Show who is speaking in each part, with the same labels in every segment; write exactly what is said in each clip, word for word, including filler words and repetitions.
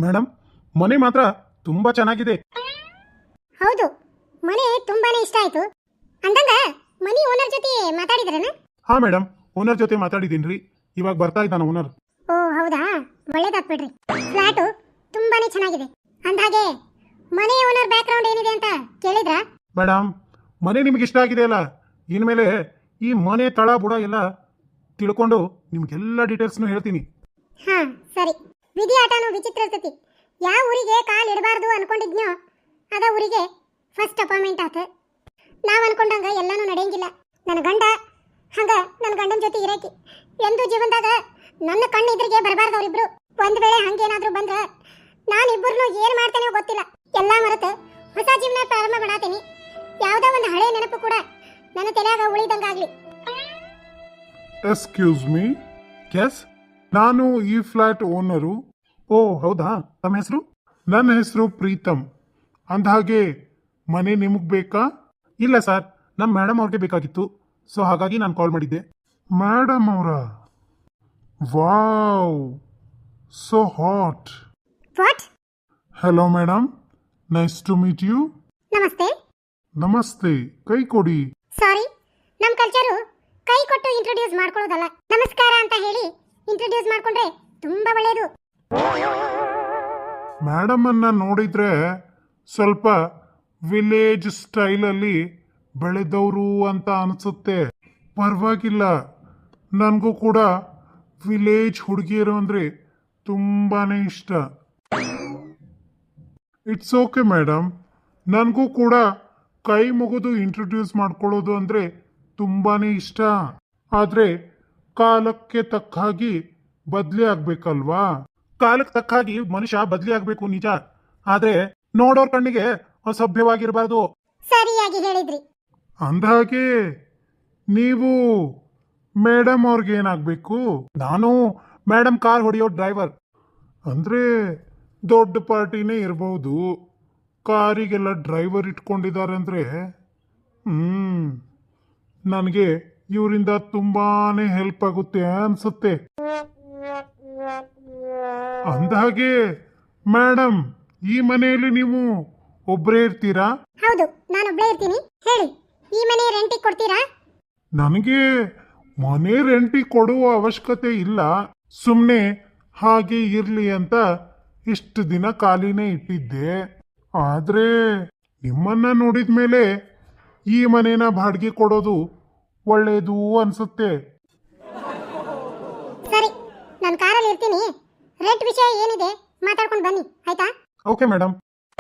Speaker 1: Madam, ಮನೆ ಮಾತ್ರ ತುಂಬಾ ಚೆನ್ನಾಗಿದೆ.
Speaker 2: ಹೌದು, ಮನೆ ತುಂಬಾನೇ ಇಷ್ಟ ಆಯ್ತು. ಅಂದಂಗ ಮನಿ ಓನರ್ ಜೊತೆ ಮಾತಾಡಿದ್ರನ?
Speaker 1: ಹಾ ಮೇಡಮ್, ಓನರ್ ಜೊತೆ ಮಾತಾಡಿದೀನ್ರಿ. ಇವಾಗ ಬರ್ತಾ ಇದ್ದಾನ ಓನರ್.
Speaker 2: ಓ ಹೌದಾ, ಒಳ್ಳೇದಾತ್ ಬಿಡ್ರಿ. ಫ್ಲಾಟು ತುಂಬಾನೇ ಚೆನ್ನಾಗಿದೆ. ಅಂದಾಗೆ ಮನೆ ಓನರ್ ಬ್ಯಾಕ್ ಗ್ರೌಂಡ್ ಏನಿದೆ ಅಂತ ಕೇಳಿದ್ರಾ?
Speaker 1: ಮೇಡಮ್, ಮನೆ ನಿಮ್ಗೆ ಇಷ್ಟ ಆಗಿದೆ ಅಲ್ಲ, ಇನ್ಮೇಲೆ ಈ ಮನೆ ತಳ ಬುಡ ಎಲ್ಲ ತಿಳ್ಕೊಂಡು ನಿಮ್ಗೆಲ್ಲ ಡೀಟೇಲ್ಸ್ನು ಹೇಳ್ತೀನಿ.
Speaker 2: ಹಾ ಸರಿ. ವಿಧಿ ಆಟನೂ ವಿಚಿತ್ರ ಇರ್ತತಿ. ಯಾವ ಊರಿಗೆ ಕಾಲ್ ಇಡಬಾರ್ದು ಅನ್ಕೊಂಡಿದ್ನೋ ಅದ ಊರಿಗೆ ಫಸ್ಟ್ ಅಪಾಯಿಂಟ್ಮೆಂಟ್ ಆತ. ನಾವ್ ಅನ್ಕೊಂಡಂಗ ಎಲ್ಲಾನು ನಡೆಯಂಗಿಲ್ಲ. ನನ್ನ ಗಂಡ ಹಂಗ ನನ್ನ ಗಂಡನ ಜೊತೆ ಇರಕಿ ಎಂದು ಜೀವನದಾಗ ನನ್ನ ಕಣ್ಣು ಎದುರಿಗೆ ಬರಬಾರ್ದು ಅವರಿಬ್ರು. ಒಂದ್ ವೇಳೆ ಹಂಗೇನಾದ್ರೂ ಬಂದ್ರ ನಾನು ಇಬ್ಬರನ್ನು ಏನ್ ಮಾಡ್ತೇನೆ ಗೊತ್ತಿಲ್ಲ. ಎಲ್ಲಾ ಮರೆತು ಹೊಸ ಜೀವನ ಪ್ರಾರಂಭ ಮಾಡಾತೀನಿ. ಯಾವ್ದೋ ಒಂದು ಹಳೆ ನೆನಪು ಕೂಡ ನನ್ನ ತಲೆಯಾಗ ಉಳಿದಂಗಾಗ್ಲಿ.
Speaker 1: ಎಕ್ಸ್ಕ್ಯೂಸ್ ಮೀ, ಎಸ್, ನಾನು ಈ ಫ್ಲಾಟ್ ಓನರು. ಓ ಹೌದಾ, ತಮ್ಮ ಹೆಸರು? ನನ್ನ ಹೆಸರು ಪ್ರೀತಮ್. ಅಂದಹಾಗೆ ಮನೆ ನಿಮಗೆ ಬೇಕಾ? ಇಲ್ಲ ಸರ್, ನಮ್ಮ ಮೇಡಮ್ ಅವ್ರಿಗೆ ಬೇಕಾಗಿತ್ತು, ಸೊ ಹಾಗಾಗಿ ನಾನು ಕಾಲ್ ಮಾಡಿದ್ದೆ. ಮೇಡಮ್ ಅವರ? Wow, so hot.
Speaker 2: What?
Speaker 1: Hello madam, nice to meet you.
Speaker 2: ನಮಸ್ತೆ.
Speaker 1: ನಮಸ್ತೆ, ಕೈ ಕೊಡಿ.
Speaker 2: ಸಾರಿ, ನಮ್ಮ ಕಲ್ಚರು ಕೈ ಕೊಟ್ಟು ಇಂಟ್ರೊಡ್ಯೂಸ್ ಮಾಡ್ಕೊಳ್ಳೋದಲ್ಲ. ನಮಸ್ಕಾರ ಅಂತ ಹೇಳಿ ಇಂಟ್ರೊಡ್ಯೂಸ್ ಮಾಡ್ಕೊಂಡ್ರೆ ತುಂಬಾ ಒಳ್ಳೆಯದು.
Speaker 1: ಮೇಡಮ್ ಅನ್ನ ನೋಡಿದ್ರೆ ಸ್ವಲ್ಪ ವಿಲೇಜ್ ಸ್ಟೈಲಲ್ಲಿ ಬೆಳೆದವರು ಅಂತ ಅನಿಸುತ್ತೆ. ಪರವಾಗಿಲ್ಲ, ನನಗೂ ಕೂಡ ವಿಲೇಜ್ ಹುಡುಗಿಯರು ಅಂದರೆ ತುಂಬಾನೇ ಇಷ್ಟ. ಇಟ್ಸ್ ಓಕೆ ಮೇಡಮ್, ನನಗೂ ಕೂಡ ಕೈ ಮುಗಿದು ಇಂಟ್ರೊಡ್ಯೂಸ್ ಮಾಡ್ಕೊಳ್ಳೋದು ಅಂದರೆ ತುಂಬಾನೇ ಇಷ್ಟ. ಆದರೆ ಕಾಲಕ್ಕೆ ತಕ್ಕ ಹಾಗೆ ಬದಲಿ ಆಗ್ಬೇಕಲ್ವಾ? ಕಾಲಕ್ಕೆ ತಕ್ಕ ಹಾಗೆ ಮನುಷ್ಯ ಬದಲಿ ಆಗ್ಬೇಕು ನಿಜ, ಆದ್ರೆ ನೋಡೋರ್ ಕಣ್ಣಿಗೆ ಅಸಭ್ಯವಾಗಿರಬಾರ್ದು.
Speaker 2: ಸರಿಯಾಗಿ ಹೇಳಿದ್ರಿ.
Speaker 1: ಅಂದಹಾಗೆ ನೀವು ಮೇಡಮ್ ಅವ್ರಿಗೆ ಏನಾಗಬೇಕು? ನಾನು ಮೇಡಮ್ ಕಾರ್ ಹೊಡೆಯೋ ಡ್ರೈವರ್. ಅಂದ್ರೆ ದೊಡ್ಡ ಪಾರ್ಟಿನೇ ಇರಬಹುದು, ಕಾರಿಗೆಲ್ಲ ಡ್ರೈವರ್ ಇಟ್ಕೊಂಡಿದ್ದಾರೆ ಅಂದ್ರೆ ಹ್ಮ್ ನನಗೆ ಇವರಿಂದ ತುಂಬಾನೇ ಹೆಲ್ಪ್ ಆಗುತ್ತೆ ಅನ್ಸುತ್ತೆ. ಅಂದಹಾಗೆ ಮೇಡಮ್, ಈ ಮನೆಯಲ್ಲಿ ನೀವು ಒಬ್ಬರೇ ಇರ್ತೀರಾ?
Speaker 2: ಹೌದು, ನಾನು ಒಬ್ಬಳೇ ಇರ್ತೀನಿ. ಹೇಳಿ, ಈ ಮನೆ ರೆಂಟಿಗೆ ಕೊಡ್ತೀರಾ?
Speaker 1: ನನಗೆ ಮನೆ ರೆಂಟಿಗೆ ಕೊಡುವ ಅವಶ್ಯಕತೆ ಇಲ್ಲ. ಸುಮ್ಮನೆ ಹಾಗೆ ಇರ್ಲಿ ಅಂತ ಇಷ್ಟು ದಿನ ಖಾಲಿನೇ ಇಟ್ಟಿದ್ದೆ. ಆದ್ರೆ ನಿಮ್ಮನ್ನ ನೋಡಿದ ಮೇಲೆ ಈ ಮನೇನ ಬಾಡಿಗೆ ಕೊಡೋದು ಒಳ್ಳೇದು ಅನ್ಸುತ್ತೆ.
Speaker 2: ಸರಿ, ನಾನು ಕಾರಲ್ಲಿ ಇರ್ತೀನಿ. ರೆಂಟ್ ವಿಷಯ ಏನಿದೆ ಮಾತಾಡ್ಕೊಂಡು ಬನ್ನಿ, ಆಯ್ತಾ?
Speaker 1: Okay madam.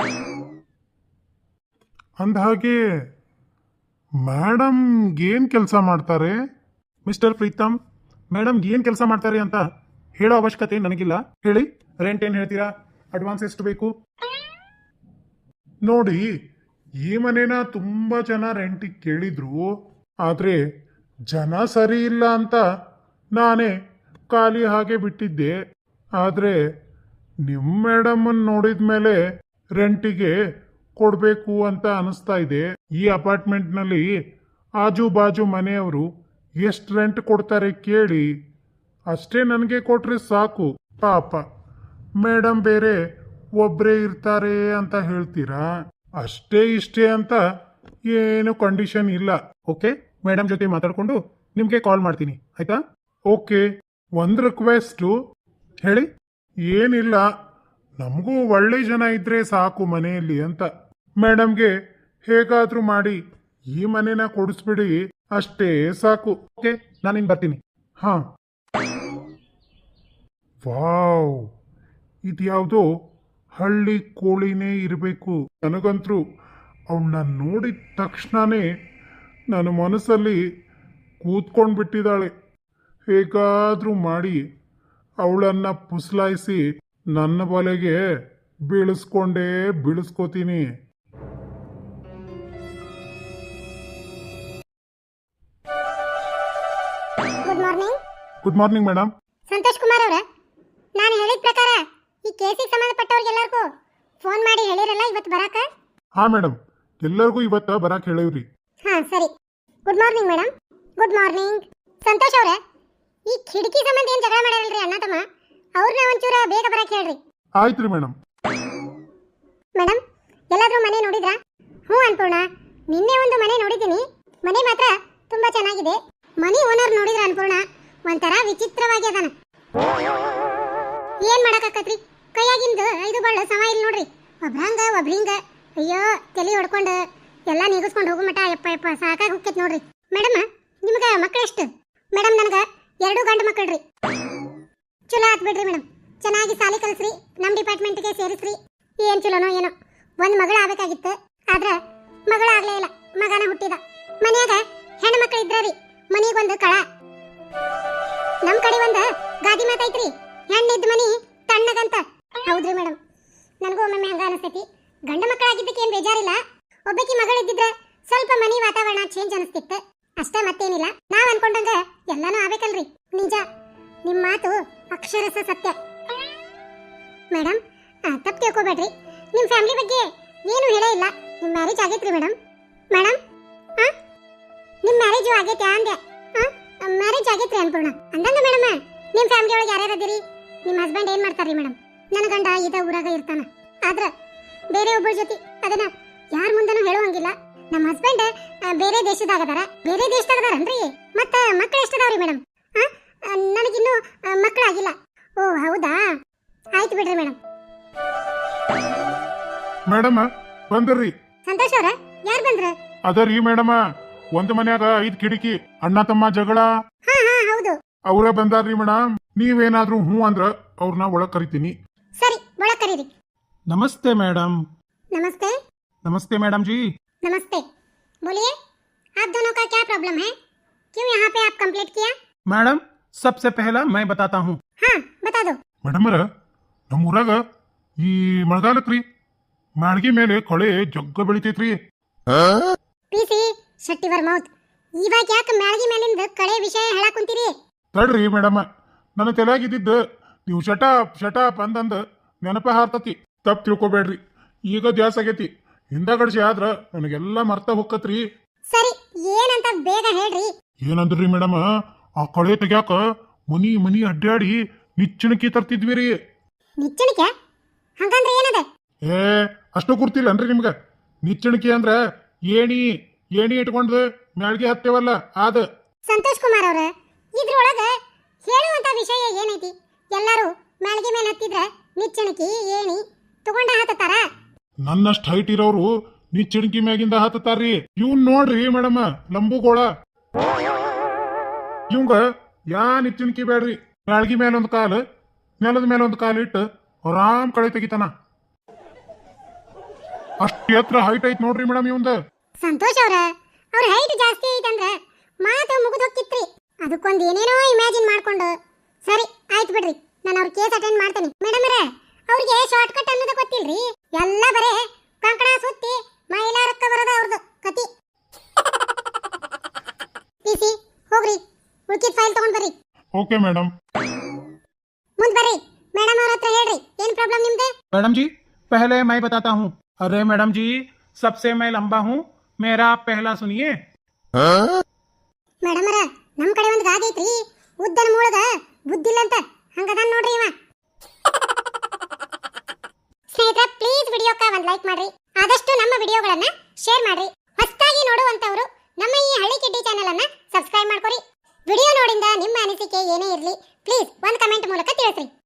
Speaker 1: ಅಂದಹಾಗೆ ಮೇಡಮ್ ಏನ್ ಕೆಲಸ ಮಾಡ್ತಾರೆ? ಮಿಸ್ಟರ್ ಪ್ರೀತಮ್, ಮೇಡಮ್ ಏನ್ ಕೆಲಸ ಮಾಡ್ತಾರೆ ಅಂತ ಹೇಳೋ ಅವಶ್ಯಕತೆ ನನಗಿಲ್ಲ. ಹೇಳಿ, ರೆಂಟ್ ಏನ್ ಹೇಳ್ತೀರಾ? ಅಡ್ವಾನ್ಸ್ ಎಷ್ಟು ಬೇಕು? ನೋಡಿ, ಈ ಮನೇನ ತುಂಬಾ ಜನ ರೆಂಟಿಗೆ ಕೇಳಿದ್ರು, ಆದ್ರೆ ಜನ ಸರಿ ಇಲ್ಲ ಅಂತ ನಾನೇ ಖಾಲಿ ಹಾಗೆ ಬಿಟ್ಟಿದ್ದೆ. ಆದ್ರೆ ನಿಮ್ಮ ಮೇಡಮ್ ನೋಡಿದ ಮೇಲೆ ರೆಂಟಿಗೆ ಕೊಡಬೇಕು ಅಂತ ಅನಿಸ್ತಾ ಇದೆ. ಈ ಅಪಾರ್ಟ್ಮೆಂಟ್ನಲ್ಲಿ ಆಜು ಬಾಜು ಮನೆಯವರು ಎಷ್ಟು ರೆಂಟ್ ಕೊಡ್ತಾರೆ ಕೇಳಿ, ಅಷ್ಟೇ ನನಗೆ ಕೊಟ್ರೆ ಸಾಕು. ಪಾಪ ಮೇಡಮ್ ಬೇರೆ ಒಬ್ಬರೇ ಇರ್ತಾರೆ ಅಂತ ಹೇಳ್ತೀರಾ? ಅಷ್ಟೇ ಇಷ್ಟೇ ಅಂತ ಏನು ಕಂಡೀಷನ್ ಇಲ್ಲ. ಓಕೆ, ಮೇಡಮ್ ಜೊತೆ ಮಾತಾಡ್ಕೊಂಡು ನಿಮಗೆ ಕಾಲ್ ಮಾಡ್ತೀನಿ, ಆಯ್ತಾ? ಓಕೆ, ಒಂದು ರಿಕ್ವೆಸ್ಟು. ಹೇಳಿ. ಏನಿಲ್ಲ, ನಮಗೂ ಒಳ್ಳೆ ಜನ ಇದ್ರೆ ಸಾಕು ಮನೆಯಲ್ಲಿ ಅಂತ. ಮೇಡಮ್ಗೆ ಹೇಗಾದ್ರೂ ಮಾಡಿ ಈ ಮನೆನ ಕೊಡಿಸ್ಬಿಡಿ, ಅಷ್ಟೇ ಸಾಕು. ಓಕೆ, ನಾನಿನ್ ಬರ್ತೀನಿ. ಹಾ. ವಾವ್, ಇದ್ಯಾವುದೋ ಹಳ್ಳಿ ಕೋಳಿನೇ ಇರಬೇಕು. ನನಗಂತರೂ ಅವಳನ್ನ ನೋಡಿದ ತಕ್ಷಣನೇ ನನ್ನ ಮನಸ್ಸಲ್ಲಿ ಕೂತ್ಕೊಂಡು ಬಿಟ್ಟಿದ್ದಾಳೆ. ಹೇಗಾದ್ರೂ ಮಾಡಿ ಅವಳನ್ನ ಪುಸ್ಲಾಯಿಸಿ ನನ್ನ ಬಲೆಗೆ ಬೀಳಿಸ್ಕೊಂಡೇ ಬೀಳಿಸ್ಕೋತೀನಿ.
Speaker 2: Good morning.
Speaker 1: Good morning madam.
Speaker 2: Santosh Kumar ಅವರ, ನಾನು ಹೇಳಿದ ಪ್ರಕಾರ ಈ ಕೇಸಿಗೆ ಸಂಬಂಧಪಟ್ಟವ್ರಿಗೆಲ್ಲರಿಗೂ ಫೋನ್ ಮಾಡಿ ಹೇಳಿರಲ್ಲ ಇವತ್ತು ಬರಾಕ?
Speaker 1: ಹಾ ಮೇಡಮ್, ಎಲ್ಲರಿಗೂ ಇವತ್ತ ಬರಾಕ್ ಹೇಳಿವ್ರಿ.
Speaker 2: ಹಾ ಸರಿ. Good morning madam. Good morning. Santosh ಅವರೇ, ಈ ಕಿಟಕಿ ಸಂಬಂಧ ಏನು ಜಗಳ ಮಾಡ್ಯಾರಲ್ರಿ ಅಣ್ಣ ತಮ್ಮ, ಅವ್ರನ್ನ ಒಂಚೂರ ಬೇಗ ಬರಕ್ಕೆ ಹೇಳ್ರಿ.
Speaker 1: ಆಯ್ತು ರೀ ಮೇಡಮ್.
Speaker 2: ಮೇಡಮ್ ಎಲ್ಲಾದ್ರೂ ಮನೆ ನೋಡಿದ್ರಾ? ಹ್ಞೂ ಅನ್ಪೂರ್ಣ, ನಿನ್ನೆ ಒಂದು ಮನೆ ನೋಡಿದ್ದೀನಿ. ಮನೆ ಮಾತ್ರ ತುಂಬಾ ಚೆನ್ನಾಗಿದೆ. ಮನೆ ಓನರ್ ನೋಡಿದ್ರ ಅನ್ಪೂರ್ಣ ಒಂಥರ ವಿಚಿತ್ರವಾಗಿ ಅದಾನ. ಏನ್ ಮಾಡಕ್ಕಾಕತ್ರಿ, ಕೈಯಾಗಿಂದ ಐದು ಬಳ್ಳ ಸಮ ಇಲ್ಲ ನೋಡ್ರಿ. ಒಬ್ರಂಗ ಒಬ್ರಿಂಗ ಅಯ್ಯೋ ತಲೆ ಹೊಡ್ಕೊಂಡು ಎಲ್ಲ ನೀಗಿಸ್ಕೊಂಡು ಹೋಗೋ ಮಟ ಯಪ್ಪ ಯಪ್ಪ ಸಾಕಾಗಿ ಹೋಗ್ತೈತಿ ನೋಡ್ರಿ. ಮೇಡಮ್ ನಿಮ್ಗೆ ಮಕ್ಕಳೆಷ್ಟು? ಮೇಡಮ್ ನನಗೆ ಎರಡು ಗಂಡು ಮಕ್ಕಳ್ರಿ. ಚಲೋ ಆತ್ ಬಿಡ್ರಿ ಮೇಡಮ್, ಚೆನ್ನಾಗಿ ಸಾಲಿ ಕಲಿಸ್ರಿ, ನಮ್ಮ ಡಿಪಾರ್ಟ್ಮೆಂಟ್ಗೆ ಸೇರಿಸ್ರಿ. ಏನ್ ಚಲೋನೋ ಏನೋ, ಒಂದು ಮಗಳ ಆಗ್ಬೇಕಾಗಿತ್ತು, ಆದ್ರ ಮಗಳಾಗ್ಲೇ ಇಲ್ಲ, ಮಗನ ಹುಟ್ಟಿದ. ಮನ್ಯಾಗ ಹೆಣ್ಣು ಮಕ್ಕಳು ಇದ್ರಿ, ಮನಿಗೊಂದು ಕಳ. ನಮ್ ಕಡೆ ಒಂದು ಗಾದಿ ಮಾತೈತ್ರಿ, ಹೆಣ್ಣಿದ್ದ ಮನಿ ತಣ್ಣಗಂತ. ಹೌದ್ರಿ ಮೇಡಮ್, ನನಗೂ ಒಮ್ಮೊಮ್ಮೆ ಹಂಗ ಅನಿಸ್ತೈತಿ. ಗಂಡು ಮಕ್ಕಳಾಗಿದ್ದಕ್ಕೆ ಏನ್ ಬೇಜಾರಿಲ್ಲ, ಒಬ್ಬಕಿ ಮಗಳಿದ್ದಿದ್ರೆ ಸ್ವಲ್ಪ ಮನಿ ವಾತಾವರಣ ಚೇಂಜ್ ಅನಿಸ್ತಿತ್ತು ಅಷ್ಟೇ, ಮತ್ತೇನಿಲ್ಲ. ನಾವ್ ಅನ್ಕೊಂಡಂಗ ಎಲ್ಲಾನು ಆಗ್ಬೇಕಲ್ರಿ. ನಿಜ, ನಿಮ್ ಮಾತು ಅಕ್ಷರಸ ಸತ್ಯ. ಮೇಡಮ್ ತಪ್ಪು ತಿಳ್ಕೊಬೇಡ್ರಿ, ನಿಮ್ ಫ್ಯಾಮಿಲಿ ಬಗ್ಗೆ ಏನು ಹೇಳೇ ಇಲ್ಲ. ನಿಮ್ ಮ್ಯಾರೇಜ್ ಆಗೈತ್ರಿ ಮೇಡಮ್? ಮೇಡಮ್ ಹಾ ನಿಮ್ ಮ್ಯಾರೇಜು ಆಗೈತೆ ಅಂದೆ. ಹಾ ಮ್ಯಾರೇಜ್ ಆಗೈತ್ರಿ ಅನ್ಪೂರ್ಣ. ಅಂದಂಗ ಮೇಡಮ್ ನಿಮ್ ಫ್ಯಾಮಿಲಿ ಒಳಗೆ ಯಾರ್ಯಾರು ಅದೀರಿ? ನಿಮ್ ಹಸ್ಬೆಂಡ್ ಏನ್ ಮಾಡ್ತಾರ್ರಿ ಮೇಡಮ್? ನನ್ನ ಗಂಡ ಇದ ಊರಾಗ ಇರ್ತಾನ, ಆದ್ರ ಬೇರೆ ಒಬ್ಬರ ಜೊತೆ ಅದನ್ನ ಯಾರ ಮುಂದನೂ ಹೇಳುವಂಗಿಲ್ಲ. ನಮ್ಮ ಹಸ್ಬೆಂಡ್ ಬೇರೆ ದೇಶದಾಗದಾರ. ಬೇರೆ ದೇಶದಾಗದಾರನ್ರಿ? ಮತ್ತ ಮಕ್ಕಳು ಎಷ್ಟದಾವ್ರಿ ಮೇಡಮ್? ಹಾ ನನಗಿನ್ನೂ ಮಕ್ಕಳಾಗಿಲ್ಲ. ಓ ಹೌದಾ, ಆಯ್ತು ಬಿಡ್ರಿ ಮೇಡಮ್.
Speaker 1: ಮೇಡಮ್ ಬಂದ್ರಿ.
Speaker 2: ಸಂತೋಷ್ ಅವ್ರ ಯಾರು ಬಂದ್ರ?
Speaker 1: ಅದರಿ ಮೇಡಮ್, ಒಂದ್ ಮನ್ಯಾಗ ಐದ್ ಕಿಟಕಿ, ಅಣ್ಣ ತಮ್ಮ ಜಗಳ.
Speaker 2: ಹಾ ಹಾ ಹೌದು,
Speaker 1: ಅವ್ರ ಬಂದಾರ್ರಿ ಮೇಡಮ್. ನೀವೇನಾದ್ರೂ ಹ್ಞೂ ಅಂದ್ರ ಅವ್ರನ್ನ ಒಳಗ್ ಕರಿತೀನಿ.
Speaker 2: ಸರಿ ಒಳಗ್ ಕರೀರಿ.
Speaker 3: नमस्ते मैडम।
Speaker 2: नमस्ते।
Speaker 3: नमस्ते मैडम जी।
Speaker 2: नमस्ते, बोलिए आप दोनों का क्या प्रॉब्लम है? क्यों यहाँ पे आप कंप्लेंट किया?
Speaker 3: मैडम सबसे पहला मैं बताता हूँ।
Speaker 2: हाँ बता दो।
Speaker 1: ಮೇಡಮರ, ನಮ್ಮ ಊರಾಗ ಈ ಮಳೆಗಾಲಕ್ರಿ ಮ್ಯಾಳ್ಗಿ ಮೇಲೆ ಕಳೆ ಜಗ್ಗ ಬೆಳಿತೈತ್ರಿ.
Speaker 2: ಪಿಸಿ ಶೆಟ್ಟಿವರ್ ಮೌತ್, ಇವಾಗ ಯಾಕೆ ಮ್ಯಾಳ್ಗಿ ಮೇಲಿಂದ ಕಳೆ ವಿಷಯ ಹೇಳಕ್ ಕುಂತೀರಿ?
Speaker 1: ತಡ್ರಿ ಮೇಡಮ್, ನನ್ನ ತಲೆಯಾಗಿದ್ದಿದ್ದು ನೀವು ಶಟಾಪ್ ಶಟಾಪ್ ಅಂದಂದ ನೆನಪ ಹಾರ್ತತಿ. ತಪ್ಪು ತಿಳ್ಕೊಬೇಡ್ರಿ, ಈಗ ಜಾಸ್ ಆಗೈತಿ. ಹಿಂದಗಡ್ಸಿ ಆದ್ರ ನನಗೆಲ್ಲ ಮರ್ತ ಹೊಕ್ಕತ್ರಿ.
Speaker 2: ಸರಿ ಏನಂತ ಬೇಗ ಹೇಳ್ರಿ.
Speaker 1: ಏನಂದ್ರಿ ಮೇಡಮ್, ಆ ಕಳೆ ತೆಗ್ಯಾಕ ಮನಿ ಮನಿ ಅಡ್ಡಾಡಿ ನಿಚ್ಚಣಿಕೆ ತರ್ತಿದ್ವಿ ರೀ.
Speaker 2: ನಿಚ್ಚಣಿಕೆ ಹಂಗಂದ್ರೆ ಏನದ?
Speaker 1: ಏ ಅಷ್ಟು ಗುರ್ತಿಲ್ಲನ್ರಿ ನಿಮ್ಗ? ನಿಚ್ಚಣಿಕೆ ಅಂದ್ರ ಏಣಿ ಏಣಿ ಇಟ್ಕೊಂಡು ಮ್ಯಾಳ್ಗೆ ಹತ್ತೇವಲ್ಲ ಅದ.
Speaker 2: ಸಂತೋಷ್ ಕುಮಾರ್ ಅವ್ರ, ಇದ್ರೊಳಗ ಹೇಳುವಂತ ವಿಷಯ ಏನೈತಿ? ಎಲ್ಲರೂ ಮ್ಯಾಳ್ಗೆ ಮೇಲೆ ಹತ್ತಿದ್ರ ನಿಚ್ಚಣಿಕೆ ಏಣಿ ತಗೊಂಡ ಹತ್ತಾರ.
Speaker 1: ನನ್ನಷ್ಟು ಹೈಟ್ ಇರೋರು ನಿಚ್ಚಣಿಕೆ ಮ್ಯಾಗಿಂದ ಹತ್ತಾರ್ರಿ. ಇವ್ನ್ ನೋಡ್ರಿ ಮೇಡಮ್, ಲಂಬುಗೋಳ. ಇವಂಗ ಯಾ ನಿಚ್ಚಣಿಕೆ ಬೇಡ್ರಿ. ಮ್ಯಾಳ್ಗಿ ಮೇಲೆ ಒಂದು ಕಾಲು, ನೆಲದ ಮೇಲೆ ಒಂದು ಕಾಲು ಇಟ್ಟು ಆರಾಮ್ ಕಳೆ ತೆಗಿತಾನ. ಅಷ್ಟು ಎತ್ತರ ಹೈಟ್ ಐತ್ ನೋಡ್ರಿ ಮೇಡಮ್ ಇವಂದ.
Speaker 2: ಸಂತೋಷ್ ಅವ್ರ, ಅವ್ರ ಹೈಟ್ ಜಾಸ್ತಿ ಐತಂದ್ರ ಮಾತು ಮುಗಿದು ಹೋಗಿತ್ರಿ. ಅದಕ್ಕೊಂದು ಏನೇನೋ ಇಮ್ಯಾಜಿನ್ ಮಾಡ್ಕೊಂಡು. ಸರಿ ಆಯ್ತು ಬಿಡ್ರಿ, ನಾನು ಅವ್ರ ಕೇಸ್ ಅಟೆಂಡ್ ಮಾಡ್ತೇನೆ. ಮೇಡಮ್ ರೇ, ಅವ್ರಿಗೆ ಶಾರ್ಟ್ ಕಟ್ ಅನ್ನೋದು ಗೊತ್ತಿಲ್ರಿ. ಎಲ್ಲ ಬರೇ ಕಂಕಣ ಸುತ್ತಿ ಮೈಲಾರಕ್ಕ ಬರೋದ ಅವ್ರದ್ದು ಕತಿ. ಪಿಸಿ ಹೋಗ್ರಿ, ಉಳ್ಕಿದ ಫೈಲ್ ತಗೊಂಡ್ ಬರ್ರಿ.
Speaker 1: Okay madam.
Speaker 2: ಮುಂದ್ ಬರ್ರಿ, ಮೇಡಮ್ ಅವ್ರ ಹತ್ರ ಹೇಳ್ರಿ ಏನ್ ಪ್ರಾಬ್ಲಮ್ ನಿಮ್ದು?
Speaker 3: मैडम जी पहले मैं बताता हूँ। अरे मैडम जी सबसे मैं लंबा हूँ, मेरा आप पहला सुनिए।
Speaker 2: ಮೇಡಮ್ ಅವರ, ನಮ್ ಕಡೆ ಒಂದು ಗಾದಿ ಐತ್ರಿ, ಉದ್ದನ ಮೂಳಗ ಬುದ್ಧಿಲ್ಲ ಅಂತ ಹಂಗದಾನ್ ನೋಡ್ರಿ ಇವ. ಸ್ನೇಹಿತರೆ, ಪ್ಲೀಸ್ ವಿಡಿಯೋಕ್ಕೆ ಒಂದು ಲೈಕ್ ಮಾಡ್ರಿ, ಆದಷ್ಟು ನಮ್ಮ ವಿಡಿಯೋಗಳನ್ನ ಶೇರ್ ಮಾಡ್ರಿ. ಹೊಸದಾಗಿ ನೋಡುವಂತವರು ನಮ್ಮ ಈ ಹಳ್ಳಿ ಕಿಡ್ಡಿ ಚಾನೆಲ್ ಅನ್ನ ಸಬ್ಸ್ಕ್ರೈಬ್ ಮಾಡ್ಕೊರಿ. ವಿಡಿಯೋ ನೋಡಿಂದ ನಿಮ್ಮ ಅನಿಸಿಕೆ ಏನೇ ಇರಲಿ ಪ್ಲೀಸ್ ಒಂದು ಕಮೆಂಟ್ ಮೂಲಕ ತಿಳಿಸ್ರಿ.